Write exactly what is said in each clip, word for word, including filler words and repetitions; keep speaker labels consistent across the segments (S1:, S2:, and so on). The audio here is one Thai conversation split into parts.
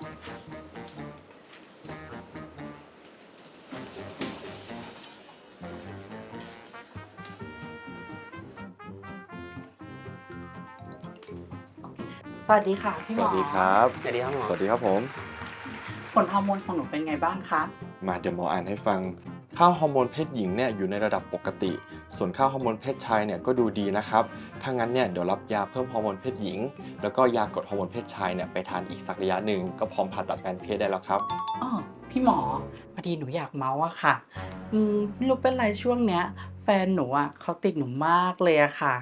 S1: สวัสดีค่ะพี่
S2: ส
S1: หมอ
S2: วัสดีครับ
S3: สวัสดีครับหมอ
S2: สวัสดีครับผม
S1: ผลฮอร์โมนของหนูเป็นไงบ้างคะ
S2: มาเดี๋ยวหมออ่านให้ฟัง ค่าฮอร์โมนเพศหญิงเนี่ยอยู่ในระดับปกติ ส่วนค่าฮอร์โมนเพศชายเนี่ยก็ดูดีนะครับ ถ้างั้นเนี่ยเดี๋ยวรับยาเพิ่มฮอร์โมนเพศหญิง แล้วก็ยากดฮอร์โมนเพศชายเนี่ยไปทานอีกสักระยะหนึ่งก็พร้อมผ่าตัดแปลงเพศได้แล้วครับ
S1: อ้อพี่หมอพอดีหนูอยากเมาส์อะค่ะ อืมไม่รู้เป็นไรช่วงเนี้ย แฟนหนูอะเขาติดหนูมากเลยอะค่ะ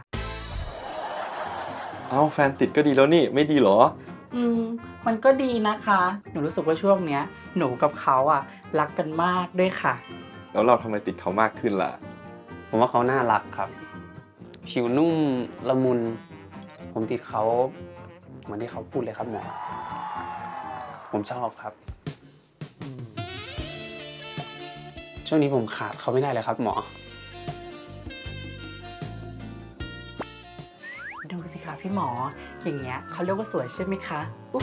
S2: เอ้าแฟนติดก็ดีแล้วนี่ไม่ดีเหรอ
S1: อืมมันก็ดีนะคะ หนูรู้สึกว่าช่วงเนี้ย หนูกับเขาอะรักกันมากด้วยค่ะ
S2: แล้วเราทำไมติดเขามากขึ้นล่ะ
S3: ผมว่าเขาน่ารักครับ ผิวนุ่มละมุน ผมติดเขาเหมือนที่เขาพูดเลยครับหมอ ผมชอบครับอืมช่วงนี้ผมขาดเขาไม่ได้เลยครับหมอ
S1: ดูสิคะพี่หมอ อย่างเงี้ยเขาเรียกว่าสวยใช่ไหมคะอุ๊ย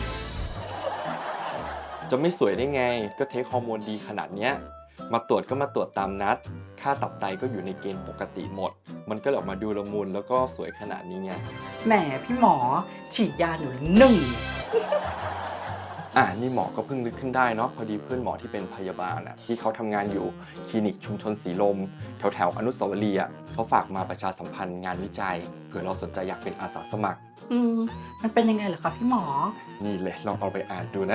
S2: จะไม่สวยได้ไง ก็เทคฮอร์โมนดีขนาดเนี้ย มาตรวจก็มาตรวจตามนัด ค่าตับไตก็อยู่ในเกณฑ์ปกติหมด มันก็เลยออกมาดูละมุนแล้วก็สวยขนาดนี้ไง
S1: แหมพี่หมอ ฉีดยาหนูหนึ่ง
S2: อ่ะนี่หมอก็เพิ่งนึกขึ้นได้เนาะพอดีเพื่อนหมอที่เป็นพยาบาลอ่ะที่เขาทำงานอยู่คลินิกชุมชนสีลม แถวแถวๆอนุสาวรีย์อ่ะเขาฝากมาประชาสัมพันธ์งานวิจัยเผื่อเราสนใจอยากเป็นอาสาสมัคร
S1: อืมมันเป็นยังไงเหรอคะพี่หมอ
S2: นี่เลยลองเอาไปอ่านดูนะ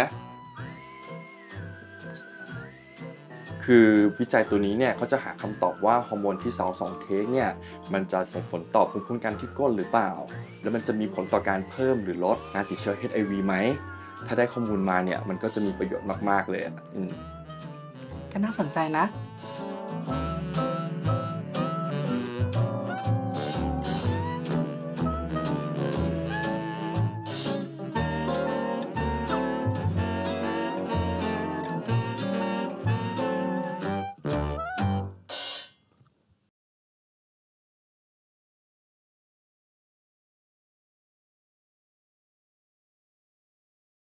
S2: คือวิจัยตัวนี้เนี่ยเขาจะหาคำตอบว่าฮอร์โมนที่สาวสองเทคเนี่ยมันจะส่งผลต่อภูมิคุ้มกันที่ก้นหรือเปล่า แล้วมันจะมีผลต่อการเพิ่มหรือลดการติดเชื้อ เอช ไอ วี ไหม ถ้าได้ข้อมูลมาเนี่ยมันก็จะมีประโยชน์มากๆเลยอ่ะอืม
S1: ก็น่าสนใจนะ